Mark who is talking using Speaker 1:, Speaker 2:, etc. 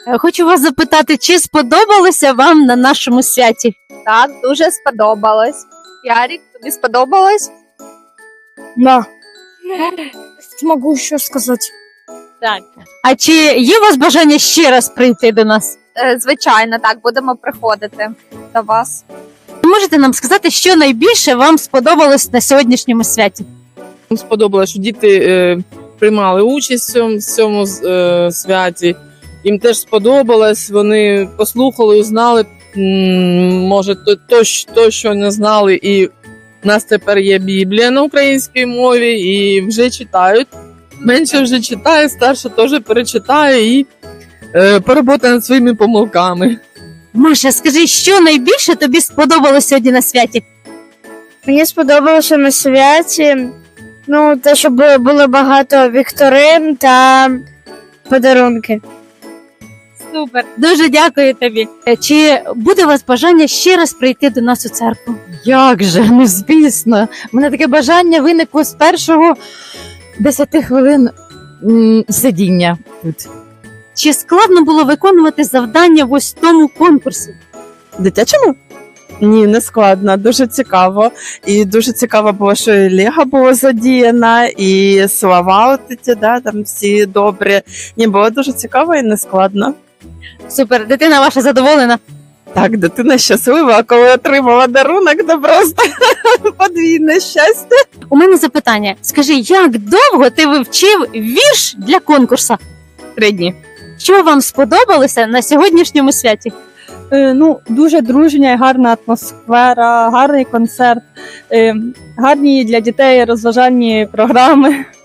Speaker 1: Хочу вас запитати, чи сподобалося вам на нашому святі?
Speaker 2: Так, дуже сподобалось. Ярік, тобі сподобалось?
Speaker 3: Да. Могу еще сказать.
Speaker 1: Так. А чи є у вас бажання ще раз прийти до нас?
Speaker 2: Звичайно, так, будемо приходити до вас.
Speaker 1: Можете нам сказати, що найбільше вам сподобалось на сьогоднішньому святі?
Speaker 4: Нам сподобалося, що діти приймали участь в цьому святі. Їм теж сподобалось, вони послухали, узнали, може, то, що не знали. І в нас тепер є Біблія на українській мові, і вже читають. Менше вже читає, старше теж перечитає і поработає над своїми помилками.
Speaker 1: Маша, скажи, що найбільше тобі сподобалось сьогодні на святі?
Speaker 3: Мені сподобалося на святі, те, що було багато вікторин та подарунки.
Speaker 1: Супер, дуже дякую тобі. Чи буде у вас бажання ще раз прийти до нас у церкву?
Speaker 5: Як же, звісно. У мене таке бажання виникло з першого 10 хвилин сидіння тут.
Speaker 1: Чи складно було виконувати завдання в ось тому конкурсі?
Speaker 6: Дитячому? Ні, не складно, дуже цікаво. І дуже цікаво було, що і Лего було задіяно, і слова там всі добрі. Ні, було дуже цікаво і не складно.
Speaker 1: Супер, дитина ваша задоволена?
Speaker 6: Так, дитина щаслива, а коли отримала дарунок, то просто подвійне щастя.
Speaker 1: У мене запитання. Скажи, як довго ти вивчив вірш для конкурсу?
Speaker 6: 3 дні.
Speaker 1: Що вам сподобалося на сьогоднішньому святі?
Speaker 7: Дуже дружня і гарна атмосфера, гарний концерт, гарні для дітей розважальні програми.